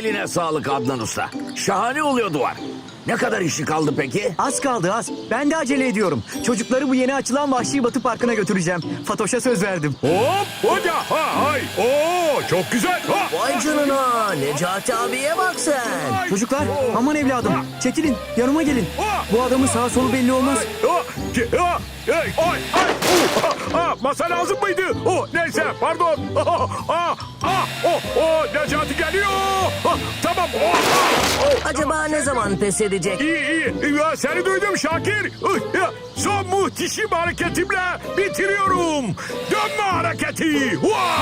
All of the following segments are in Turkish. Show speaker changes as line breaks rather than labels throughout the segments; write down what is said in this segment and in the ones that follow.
Eline sağlık Adnan Usta. Şahane oluyor duvar. Ne kadar işi kaldı peki?
Az kaldı az. Ben de acele ediyorum. Çocukları bu yeni açılan Vahşi Batı Parkı'na götüreceğim. Fatoş'a söz verdim.
Hop hoca ha hay. Oo çok güzel. Ha.
Vay canına, Necati abiye bak sen.
Çocuklar aman evladım. Çekilin yanıma gelin. Bu adamın sağa solu belli olmaz.
Masa lazım mıydı? Neyse pardon. Necati geliyor. Tamam.
Acaba ne zaman pes edecek?
İyi. Ya, seni duydum Şakir. Son muhteşem hareketimle bitiriyorum. Dönme hareketi.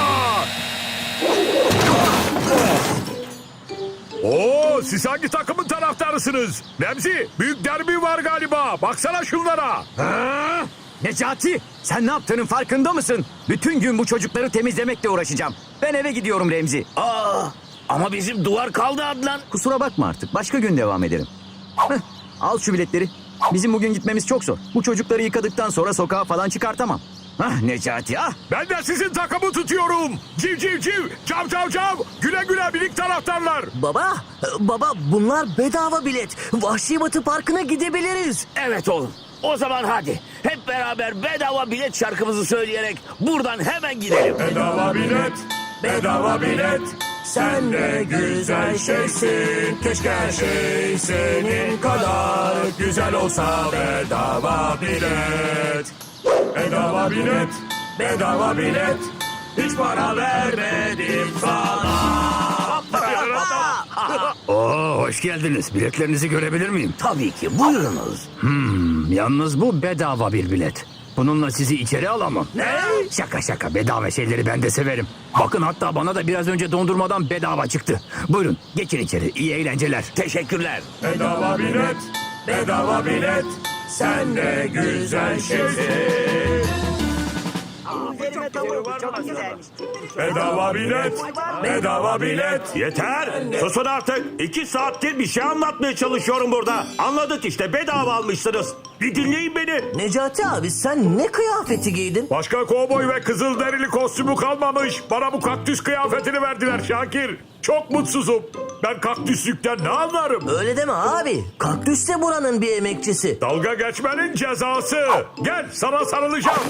Siz hangi takımın taraftarısınız? Remzi, büyük derbi var galiba. Baksana şunlara.
Ha? Necati sen ne yaptığının farkında mısın? Bütün gün bu çocukları temizlemekle uğraşacağım. Ben eve gidiyorum Remzi.
Ama bizim duvar kaldı Adnan.
Kusura bakma artık. Başka gün devam ederim. Al şu biletleri. Bizim bugün gitmemiz çok zor. Bu çocukları yıkadıktan sonra sokağa falan çıkartamam. Necati
Ben de sizin takımı tutuyorum. Civ civ civ, cav cav cav. Güle güle birlik taraftarlar.
Baba bunlar bedava bilet. Vahşi Batı Parkı'na gidebiliriz.
Evet oğlum. O zaman hadi hep beraber bedava bilet şarkımızı söyleyerek buradan hemen gidelim.
Bedava bilet, bedava bilet. Sen ne güzel şeysin. Keşke her şey senin kadar güzel olsa. Bedava bilet. Bedava bilet, bedava bilet. Hiç para vermedim sana.
Hoş geldiniz. Biletlerinizi görebilir miyim?
Tabii ki buyurunuz.
Yalnız bu bedava bir bilet. Bununla sizi içeri alamam.
Ne?
Şaka bedava şeyleri ben de severim. Bakın hatta bana da biraz önce dondurmadan bedava çıktı. Buyurun geçin içeri. İyi eğlenceler.
Teşekkürler.
Bedava bilet, bedava bilet. Sen ne güzel şeysin. Bedava bilet, bedava bilet.
Yeter! Susun artık! 2 saattir bir şey anlatmaya çalışıyorum burada. Anladık işte bedava almışsınız. Bir dinleyin beni.
Necati abi sen ne kıyafeti giydin?
Başka kovboy ve kızılderili kostümü kalmamış. Bana bu kaktüs kıyafetini verdiler Şakir. Çok mutsuzum. Ben kaktüslükten ne anlarım?
Öyle deme abi. Kaktüs de buranın bir emekçisi.
Dalga geçmenin cezası. Gel sana sarılacağım.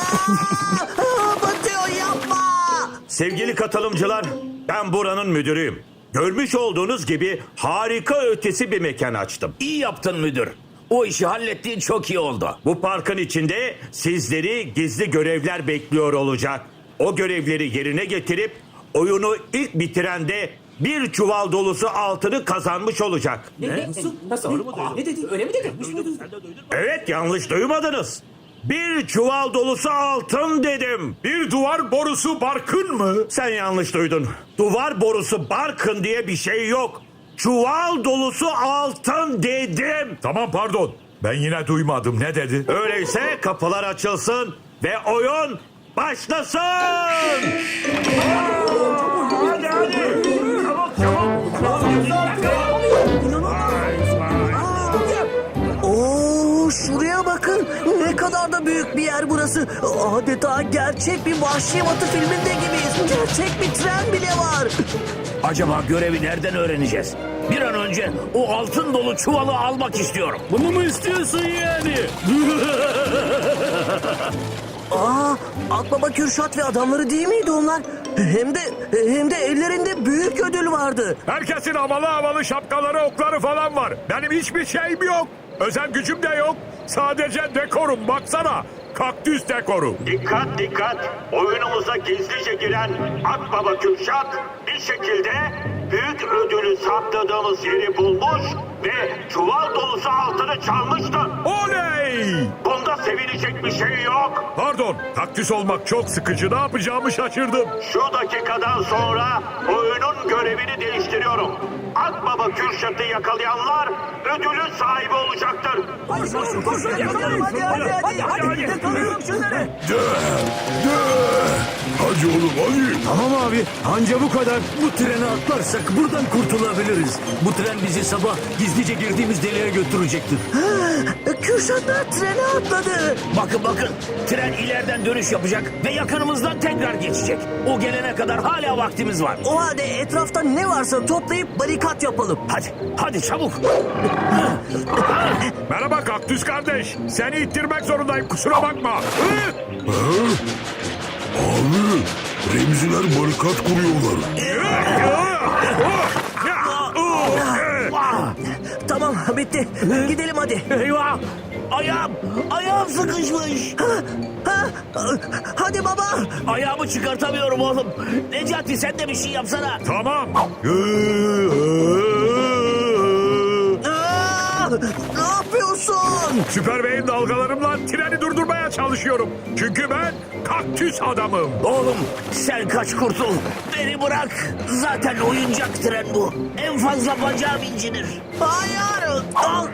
Batıyor yapma.
Sevgili katılımcılar, ben buranın müdürüyüm. Görmüş olduğunuz gibi harika ötesi bir mekan açtım.
İyi yaptın müdür. O işi hallettiğin çok iyi oldu.
Bu parkın içinde sizleri gizli görevler bekliyor olacak. O görevleri yerine getirip oyunu ilk bitiren de bir çuval dolusu altını kazanmış olacak. Evet, yanlış duymadınız. Bir çuval dolusu altın dedim.
Bir duvar borusu barkın mı?
Sen yanlış duydun. Duvar borusu barkın diye bir şey yok. Çuval dolusu altın dedim.
Tamam pardon. Ben yine duymadım. Ne dedi?
Öyleyse kapılar açılsın ve oyun başlasın.
Oo, şuraya bakın. Ne kadar da büyük bir yer burası. Adeta gerçek bir Vahşi Batı filminde gibiyiz. Gerçek bir tren bile var.
Acaba görevi nereden öğreneceğiz? Bir an önce o altın dolu çuvalı almak istiyorum.
Bunu mu istiyorsun yani?
Akbaba Kürşat ve adamları değil miydi onlar? Hem de ellerinde büyük ödül vardı.
Herkesin havalı şapkaları, okları falan var. Benim hiçbir şeyim yok. Özel gücüm de yok. Sadece dekorum. Baksana. Kaktüs dekoru.
Dikkat dikkat! Oyunumuza gizlice giren Akbaba Kürşat bir şekilde büyük ödülü sakladığımız yeri bulmuş ve çuval dolusu altını çalmıştı.
Oley!
Bunda sevinecek bir şey yok.
Pardon. Kaktüs olmak çok sıkıcı. Ne yapacağımı şaşırdım.
Şu dakikadan sonra oyunun görevini değiştiriyorum. Akbaba Kürşat'ı yakalayanlar ödülün sahibi olacaktır.
Koşun yakalayalım hadi. Yakalayalım şunları.
Hadi oğlum hadi.
Tamam abi, anca bu kadar. Bu treni atlarsak buradan kurtulabiliriz. Bu tren bizi sabah gizlice girdiğimiz deliğe götürecektir.
Kürşatlar trene atladı.
Bakın tren ileriden dönüş yapacak ve yakınımızdan tekrar geçecek. O gelene kadar hala vaktimiz var.
O halde etrafta ne varsa toplayıp barikat yapalım.
Hadi çabuk.
Merhaba kaktüs kardeş. Seni ittirmek zorundayım kusura bakma.
Abi, Remziler barikat kuruyorlar.
Tamam bitti. Gidelim hadi.
Eyvah! Ayağım sıkışmış.
Hadi baba.
Ayağımı çıkartamıyorum oğlum. Necati sen de bir şey yapsana.
Tamam.
Ne yapıyorsun?
Süper Bey'in dalgalarımla treni durdurmaya çalışıyorum. Çünkü ben kaktüs adamım.
Oğlum sen kaç kurtul. Beni bırak. Zaten oyuncak tren bu. En fazla bacağım incinir.
Hayır.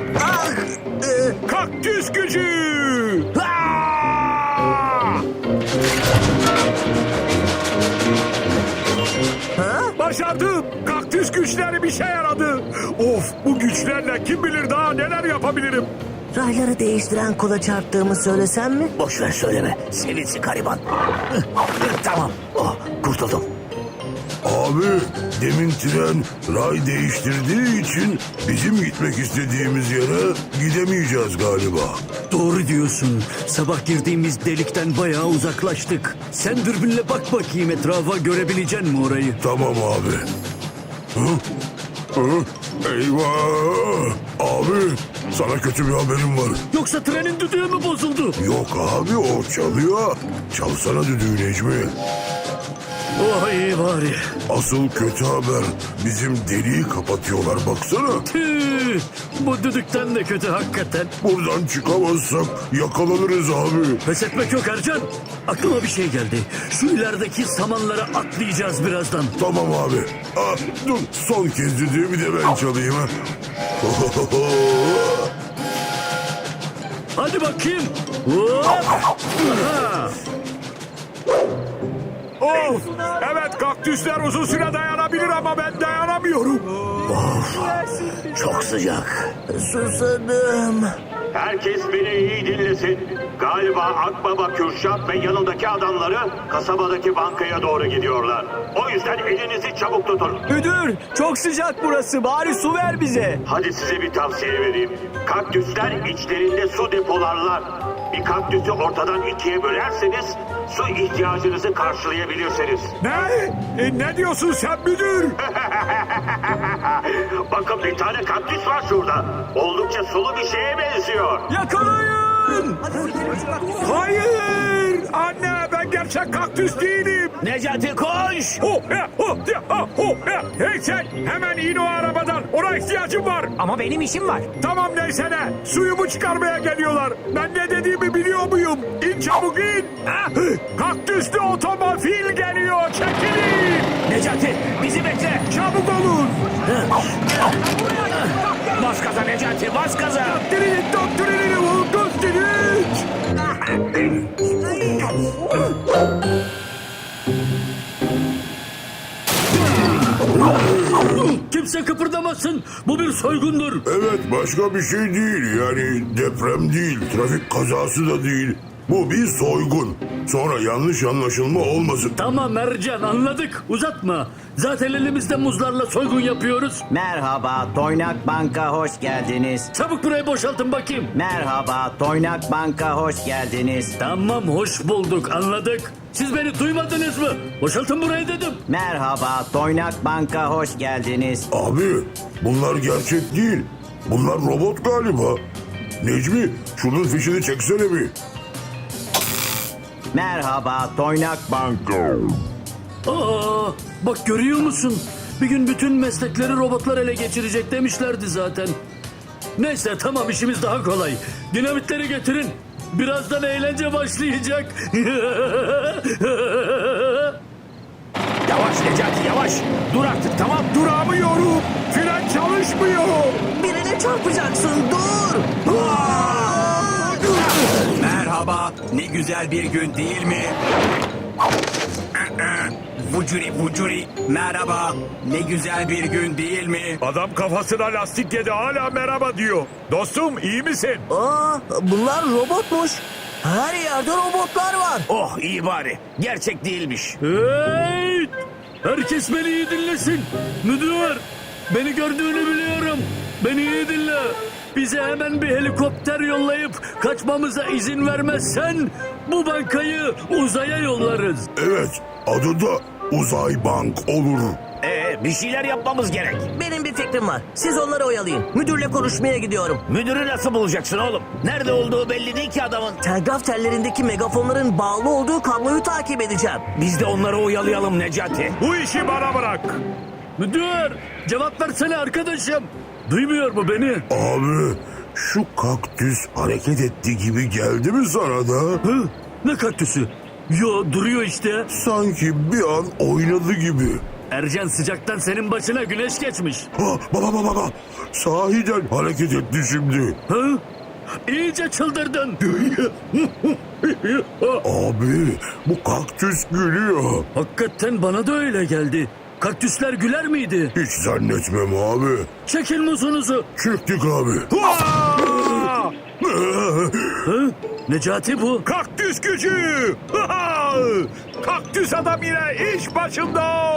Kaktüs gücü.
Ah!
Başardım. Kaktüs güçleri bir şey yaradı. Of bu güçlerle kim bilir daha neler yapabilirim.
Rayları değiştiren kola çarptığımı söylesem mi?
Boş ver söyleme. Sevinsin gariban. Tamam. Kurtuldum.
Abi, demin tren ray değiştirdiği için bizim gitmek istediğimiz yere gidemeyeceğiz galiba.
Doğru diyorsun. Sabah girdiğimiz delikten bayağı uzaklaştık. Sen dürbünle bak bakayım etrafa, görebilecek mi orayı?
Tamam abi. Eyvah! Abi, sana kötü bir haberim var.
Yoksa trenin düdüğü mü bozuldu?
Yok abi, o çalıyor. Çalsana düdüğü Necmi.
Oh iyi bari.
Asıl kötü haber, bizim deliği kapatıyorlar baksana.
Tüh, bu düdükten de kötü hakikaten.
Buradan çıkamazsak yakalanırız abi.
Pes etmek yok Ercan. Aklıma bir şey geldi. Şu ilerideki samanlara atlayacağız birazdan.
Tamam abi. Dur, son kez düdüğü bir de ben çalayım ha.
Hadi bakayım. Hop. Aha.
Of! Evet kaktüsler uzun süre dayanabilir ama ben dayanamıyorum.
Çok sıcak.
Susadım.
Herkes beni iyi dinlesin. Galiba Akbaba Kürşat ve yanındaki adamları kasabadaki bankaya doğru gidiyorlar. O yüzden elinizi çabuk tutun.
Müdür, çok sıcak burası. Bari su ver bize.
Hadi size bir tavsiye vereyim. Kaktüsler içlerinde su depolarlar. Bir kaktüsü ortadan ikiye bölerseniz su ihtiyacınızı karşılayabilirsiniz.
Ne diyorsun sen müdür?
Bakın bir tane kaktüs var şurada. Oldukça sulu bir şeye benziyor.
Yakalayın! Hayır! Anne ben gerçek kaktüs değilim.
Necati koş.
Hey sen hemen in o arabadan. Ona ihtiyacım var.
Ama benim işim var.
Tamam neyse ne. Suyumu çıkarmaya geliyorlar. Ben ne dediğimi biliyor muyum? İn çabuk in. Kaktüslü otomobil geliyor. Çekilin.
Necati bizi bekle.
Çabuk olun.
Bas gaza Necati bas gaza.
Kimse kıpırdamasın. Bu bir soygundur.
Evet, başka bir şey değil. Yani deprem değil, trafik kazası da değil. Bu bir soygun. Sonra yanlış anlaşılma olmasın.
Tamam Ercan, anladık. Uzatma. Zaten elimizde muzlarla soygun yapıyoruz.
Merhaba, Toynak Bank'a hoş geldiniz.
Çabuk burayı boşaltın bakayım.
Merhaba, Toynak Bank'a hoş geldiniz.
Tamam, hoş bulduk, anladık. Siz beni duymadınız mı? Boşaltın burayı dedim.
Merhaba, Toynak Bank'a hoş geldiniz.
Abi, bunlar gerçek değil. Bunlar robot galiba. Necmi, şunun fişini çeksene bir.
Merhaba, Toynak Banka.
Aa, bak görüyor musun? Bir gün bütün meslekleri robotlar ele geçirecek demişlerdi zaten. Neyse tamam, işimiz daha kolay. Dinamitleri getirin. Birazdan eğlence başlayacak.
Yavaş Necati yavaş. Dur artık tamam.
Duramıyorum. Fren çalışmıyor.
Birine çarpacaksın, dur.
Merhaba, ne güzel bir gün değil mi? Vucuri vucuri, merhaba, ne güzel bir gün değil mi?
Adam kafasına lastik yedi hala merhaba diyor. Dostum iyi misin?
Aa, bunlar robotmuş. Her yerde robotlar var.
Oh iyi bari. Gerçek değilmiş.
Hey! Herkes beni iyi dinlesin. Müdür, beni gördüğünü biliyorum. Beni iyi dinle. Bize hemen bir helikopter yollayıp kaçmamıza izin vermezsen bu bankayı uzaya yollarız.
Evet, adı da Uzay Bank olur.
Bir şeyler yapmamız gerek.
Benim bir fikrim var. Siz onları oyalayın. Müdürle konuşmaya gidiyorum.
Müdürü nasıl bulacaksın oğlum? Nerede olduğu belli değil ki adamın.
Telgraf tellerindeki megafonların bağlı olduğu kabloyu takip edeceğim.
Biz de onları oyalayalım Necati.
Bu işi bana bırak.
Müdür, cevap versene arkadaşım. Duymuyor mu beni?
Abi, şu kaktüs hareket etti gibi geldi mi sana da?
Hı? Ne kaktüsü? Yo, duruyor işte.
Sanki bir an oynadı gibi.
Ercan, sıcaktan senin başına güneş geçmiş.
Ha, baba. Sahiden hareket etti şimdi.
Hı? İyice çıldırdın.
Abi, bu kaktüs gülüyor.
Hakikaten bana da öyle geldi. Kaktüsler güler miydi?
Hiç zannetmem abi.
Çekin muzunuzu.
Çıktık abi.
Aa!
Hı? Necati bu.
Kaktüs gücü. Kaktüs adam yine iş başında.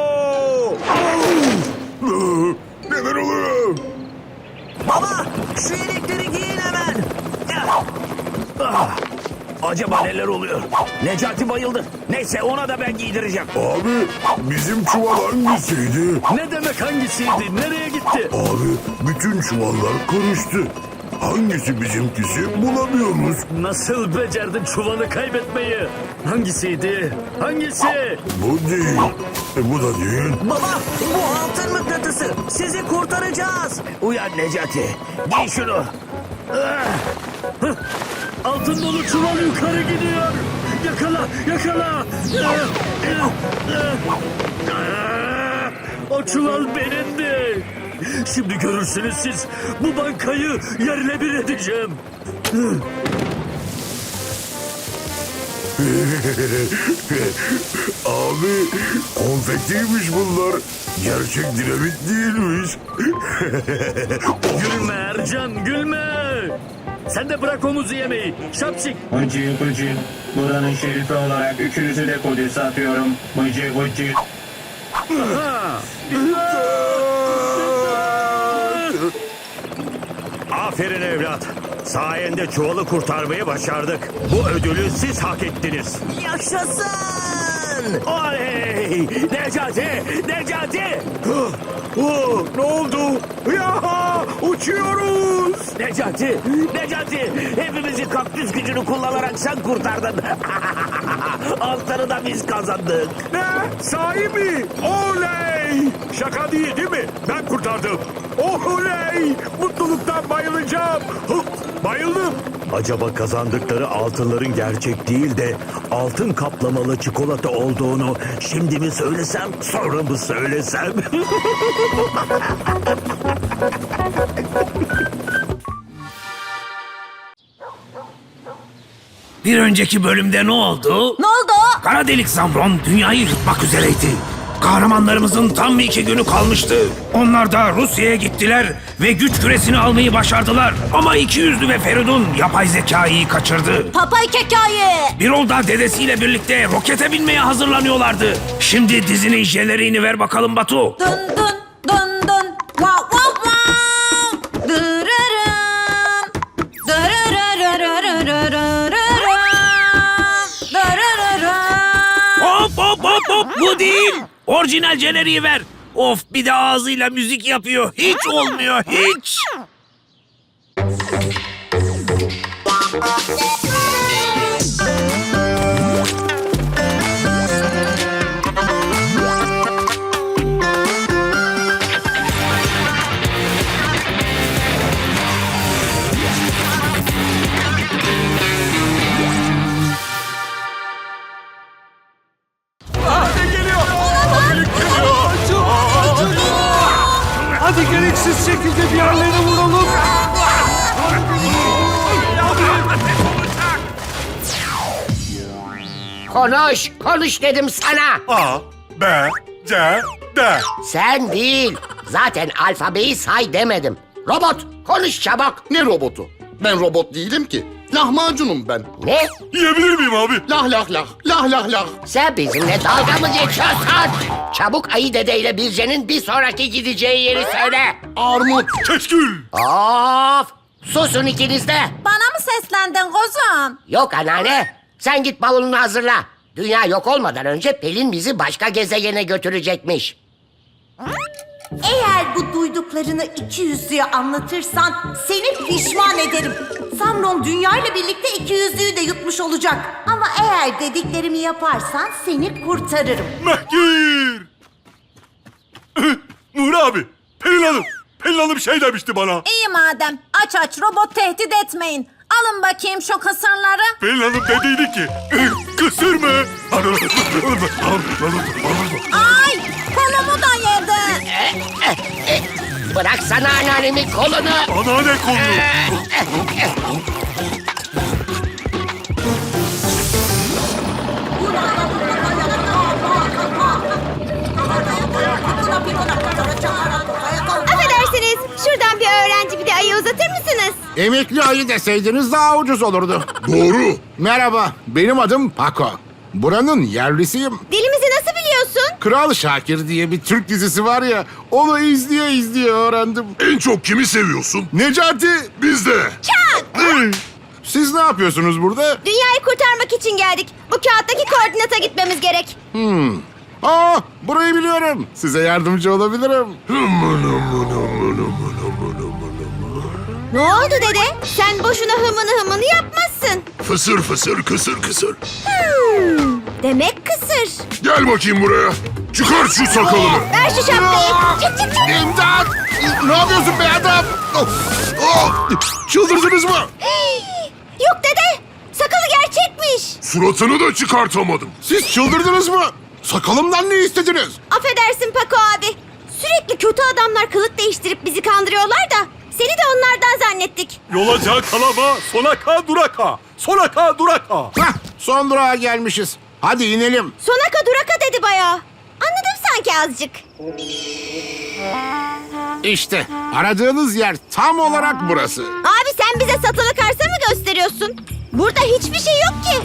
Neler oluyor?
Baba, şu yelekleri giyin hemen.
Acaba neler oluyor? Necati bayıldı. Neyse ona da ben giydireceğim.
Abi, bizim çuval hangisiydi?
Ne demek hangisiydi? Nereye gitti?
Abi, bütün çuvallar karıştı. Hangisi bizimkisi bulamıyoruz.
Nasıl becerdin çuvalı kaybetmeyi? Hangisiydi? Hangisi?
Bu değil. Bu da değil.
Baba, bu altın mıknatısı. Sizi kurtaracağız.
Uyan Necati. Giy şunu.
Altın dolu çuval yukarı gidiyor. Yakala. O çuval benimdi. Şimdi görürsünüz siz. Bu bankayı yerle bir edeceğim.
Abi, konfetiymiş bunlar. Gerçek dinamit değilmiş.
Gülme Ercan, gülme. Sen de bırak omuzu yemeyi. Şapşik.
Bıcı bıcı. Buranın şerifi olarak üçünüzü de Kudüs'e atıyorum. Bıcı bıcı.
Aferin evlat. Sayende çuvalı kurtarmayı başardık. Bu ödülü siz hak ettiniz.
Yaşasın.
Oley! Necati!
Ne oldu? Ya uçuyoruz.
Necati! Hepimizi kaktüs gücünü kullanarak sen kurtardın. Altını da biz kazandık.
Ne? Sahi mi? Oley! Şaka değil mi? Ben kurtardım. Oley! Mutluluktan bayılacağım. Bayıldım.
Acaba kazandıkları altınların gerçek değil de altın kaplamalı çikolata olduğunu şimdi mi söylesem, sonra mı söylesem?
Bir önceki bölümde ne oldu?
Ne oldu?
Kara delik Zamron dünyayı yutmak üzereydi. Kahramanlarımızın tam 2 günü kalmıştı. Onlar da Rusya'ya gittiler ve güç küresini almayı başardılar. Ama İkiyüzlü ve Feridun yapay zekayı kaçırdı.
Papay kekaye.
Birol da dedesiyle birlikte rokete binmeye hazırlanıyorlardı. Şimdi dizinin jeleriğini ver bakalım Batu.
Dın dın dın dın. Wow wow wow. Dırırım. Dırırırırırırırırırım. Dırırırım.
Hop bu değil. Orijinal jeneriği ver. Of, bir de ağzıyla müzik yapıyor. Hiç olmuyor hiç.
Hadi gereksiz şekilde bir yerlere vuralım.
Konuş dedim sana.
A, B, C, D.
Sen değil. Zaten alfabeyi say demedim. Robot, konuş çabuk.
Ne robotu? Ben robot değilim ki. Lahmacunum ben.
Ne?
Yiyebilir miyim abi?
Lah lah lah. Lah lah lah.
Sen bizimle dalga mı geçiyorsun? Çabuk Ayı Dede ile Birce'nin bir sonraki gideceği yeri söyle.
Armut.
Keşkül.
Of! Susun ikiniz de.
Bana mı seslendin kuzum?
Yok anneanne. Sen git bavulunu hazırla. Dünya yok olmadan önce Pelin bizi başka gezegene götürecekmiş.
Eğer bu duyduklarını ikiyüzlüye anlatırsan seni pişman ederim. Samron dünyayla birlikte ikiyüzlüyü de yutmuş olacak. Ama eğer dediklerimi yaparsan seni kurtarırım.
Mehgir. Nuri abi. Pelin Hanım şey demişti bana.
İyi madem. Aç robot tehdit etmeyin. Alın bakayım şu kısırları.
Pelin Hanım dediydi ki kısır mı?
Ay kolumu da yedi.
Bıraksana anneannemin kolunu.
Anneanne kolunu.
Affedersiniz. Şuradan bir öğrenci bir de ayı uzatır mısınız?
Emekli ayı deseydiniz daha ucuz olurdu.
Doğru.
Merhaba, benim adım Paco. Buranın yerlisiyim.
Dilimizi nasıl biliyorsun?
Kral Şakir diye bir Türk dizisi var ya, onu izleye öğrendim.
En çok kimi seviyorsun?
Necati,
Biz de.
siz ne yapıyorsunuz burada?
Dünyayı kurtarmak için geldik. Bu kağıttaki koordinata gitmemiz gerek.
Aa, burayı biliyorum. Size yardımcı olabilirim.
Ne oldu dede? Sen boşuna hımını yapmazsın.
Fısır fısır kısır kısır.
Demek kısır.
Gel bakayım buraya. Çıkar şu sakalını.
Ver şu şapkayı. Çık çık çık.
İmdat! Ne yapıyorsun be adam?
Çıldırdınız mı?
Yok dede. Sakalı gerçekmiş.
Suratını da çıkartamadım.
Siz çıldırdınız mı? Sakalımdan ne istediniz?
Affedersin Paco abi. Sürekli kötü adamlar kılık değiştirip bizi kandırıyorlar da seni de onlardan zannettik.
Yola kalama, sonaka duraka. Sonaka duraka.
Hah, son durağa gelmişiz. Hadi inelim.
Sonaka duraka dedi bayağı. Anladım sanki azıcık.
İşte aradığınız yer tam olarak burası.
Abi sen bize satılık arsa mı gösteriyorsun? Burada hiçbir şey yok ki.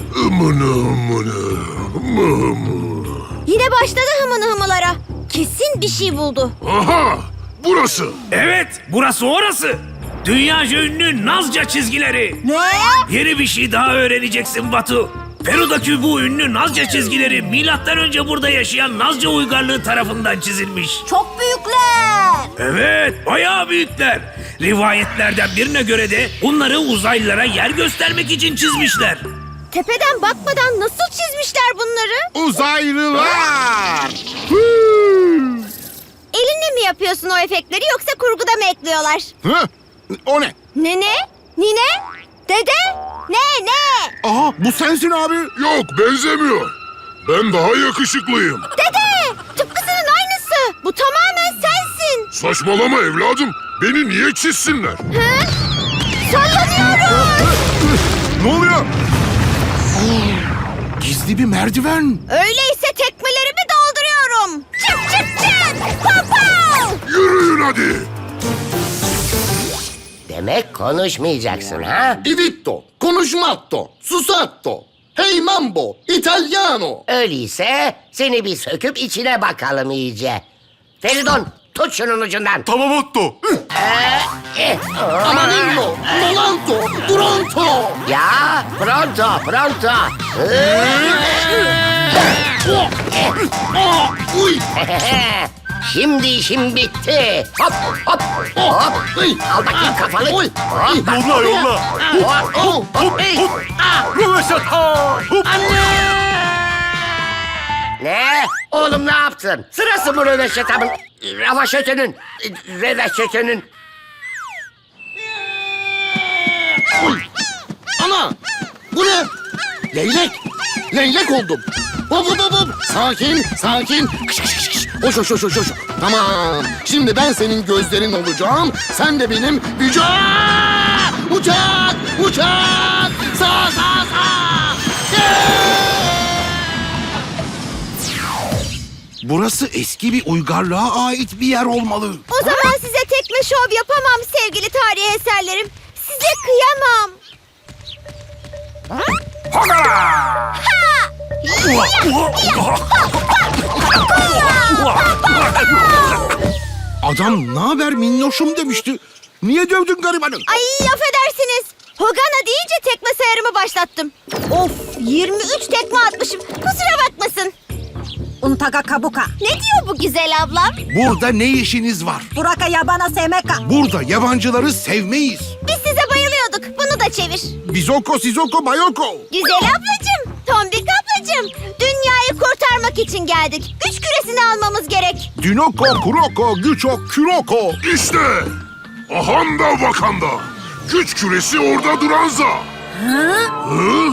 Yine başladı hımılara. Kesin bir şey buldu.
Aha! Burası.
Evet, burası orası. Dünyaca ünlü Nazca çizgileri.
Ne?
Yeni bir şey daha öğreneceksin Batu. Peru'daki bu ünlü Nazca çizgileri milattan önce burada yaşayan Nazca uygarlığı tarafından çizilmiş.
Çok büyükler.
Evet, bayağı büyükler. Rivayetlerden birine göre de bunları uzaylılara yer göstermek için çizmişler.
Tepeden bakmadan nasıl çizmişler bunları?
Uzaylılar!
Elinle mi yapıyorsun o efektleri yoksa kurguda mı ekliyorlar?
Hı? O ne?
Nene? Nine? Dede? Ne?
Aha, bu sensin abi.
Yok, benzemiyor. Ben daha yakışıklıyım.
Dede! Tıpkısının aynısı. Bu tamamen sensin.
Saçmalama evladım. Beni niye çizsinler?
Hı? Sallanıyorum.
Ne oluyor? Gizli bir merdiven.
Öyleyse tekmelerimi dolduruyorum. Çık çık çık. Pow.
Yürüyün hadi.
Demek konuşmayacaksın ha?
Divitto, konuşmatto, susatto, hey mambo, italiano.
Öyleyse seni bir söküp içine bakalım iyice. Feridun tut şunun ucundan.
Tamam Otto.
Amarillo, volanto, duranto.
Ya pronto.
Uy,
Şimdi işim bitti. Hop. Al bakayım kafanı. Hop.
Yolla.
Hop.
Röveşata.
Ne? Oğlum ne yaptın? Sırası mı röveşatamın? Röveşatının.
Ana! Bu ne? Leylek! Leylek oldum. Hop hop hop hop. Sakin, sakin. Kış kış kış kış. Hoş hoş hoş hoş hoş. Tamam. Şimdi ben senin gözlerin olacağım. Sen de benim vücut. Uçak, uçak. Sağ, sağ, sağ. Burası eski bir uygarlığa ait bir yer olmalı.
O zaman size tekme şov yapamam sevgili tarihi eserlerim. Size kıyamam.
Adam ne haber minnoşum demişti. Niye dövdün garibanı?
Ay affedersiniz. Hogana deyince tekme sayarımı başlattım. Of 23 tekme atmışım. Kusura bakmasın. Untaka kabuka. Ne diyor bu güzel ablam?
Burada ne işiniz var?
Buraka yabana semeka.
Burada yabancıları sevmeyiz.
Biz size bayılıyorduk. Bunu da çevir.
Bizoko, sizoko, bayoko.
Güzel ablacığım, tombik ablacığım. Dünyayı kurtarmak için geldik. Güç küresini almamız gerek.
Dinoko, kuroko, güço, küroko.
İşte Ahanda Wakanda. Güç küresi orada duranza. Hı?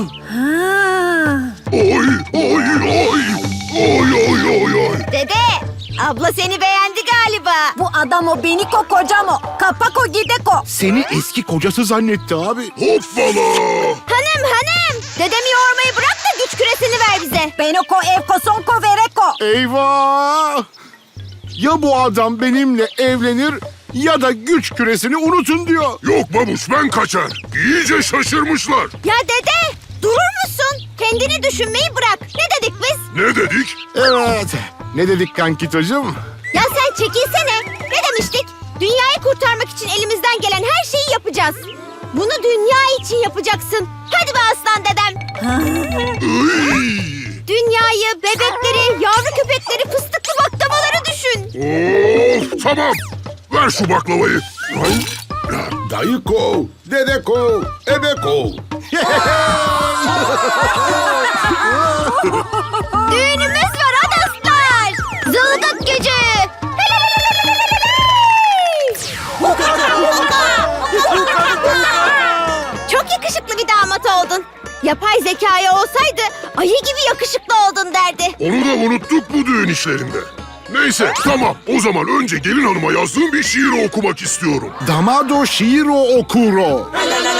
Oy oy oy. Oy oy oy oy.
Dede, abla seni beğendi galiba. Bu adam o beniko kocam o. Kapako gideko.
Seni eski kocası zannetti abi.
Hoppala.
Hanım. Dedemi yormayı bırak da güç küresini ver bize. Benoko evko sonko vereko.
Eyvah! Ya bu adam benimle evlenir ya da güç küresini unutun diyor.
Yok babuş ben kaçar. İyice şaşırmışlar.
Ya dede, durur musun? Kendini düşünmeyi bırak. Ne dedik biz?
Ne dedik?
Evet. Ne dedik kankitocuğum?
Ya sen çekilsene. Ne demiştik? Dünyayı kurtarmak için elimizden gelen her şeyi yapacağız. Bunu dünya için yapacaksın. Hadi be aslan dedem. Dünyayı, bebekleri, yavru köpekleri, fıstıklı baklavaları düşün.
Of tamam. Ver şu baklavayı.
Dayıko, dedeko, ebeko.
Düğünümüz var adaslar. Zılgıt gücü. Çok yakışıklı bir damat oldun. Yapay zekaya olsaydı ayı gibi yakışıklı oldun derdi.
Onu da unuttuk bu düğün işlerinde. Neyse tamam o zaman önce gelin hanıma yazdığım bir şiir okumak istiyorum.
Damado shiro okuro.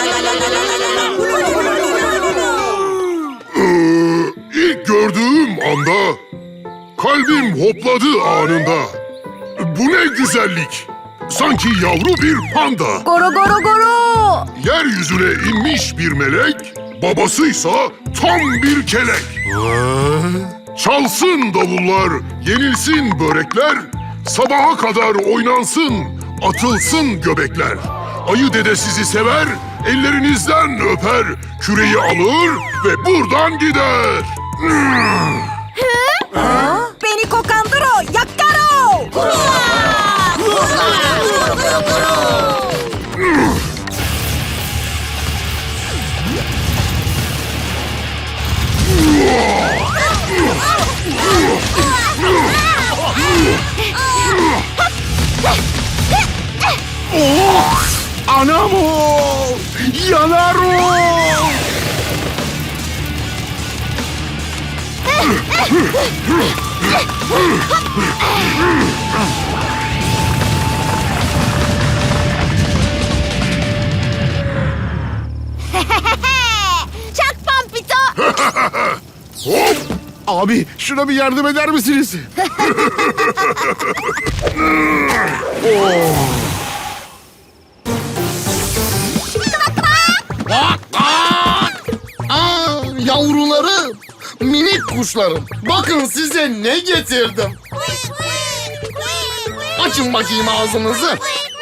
İlk gördüğüm anda kalbim hopladı anında. Bu ne güzellik. Sanki yavru bir panda.
Goro goro goro.
Yeryüzüne inmiş bir melek, babasıysa tam bir kelek. Çalsın davullar, yenilsin börekler, sabaha kadar oynansın, atılsın göbekler. Ayı dede sizi sever, ellerinizden öper, küreyi alır ve buradan gider.
Beni kokandro yakkaro.
Anamo! Yanaro!
Çak Pampito.
Hop!
Abi şuna bir yardım eder misiniz? Aa, yavrularım, minik kuşlarım. Bakın size ne getirdim. Açın bakayım ağzınızı.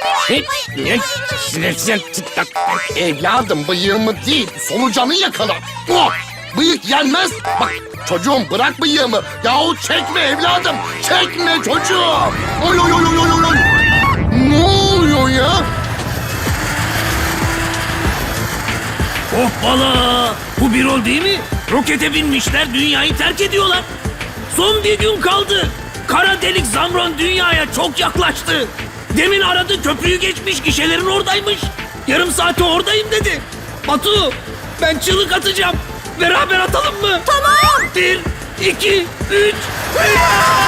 Evladım bıyığımı değil, solucanı yakala. Oh, bıyık yenmez. Bak çocuğum bırak bıyığımı. Yahu çekme evladım, çekme çocuğum. Oy oy oy oy oy oy. Ne oluyor ya?
Hoppala! Bu bir rol değil mi? Rokete binmişler, dünyayı terk ediyorlar. Son bir gün kaldı. Kara delik Zamron dünyaya çok yaklaştı. Demin aradı, köprüyü geçmiş, gişelerin oradaymış. Yarım saate oradayım dedi. Batu, ben çığlık atacağım. Beraber atalım mı?
Tamam.
1, 2, 3.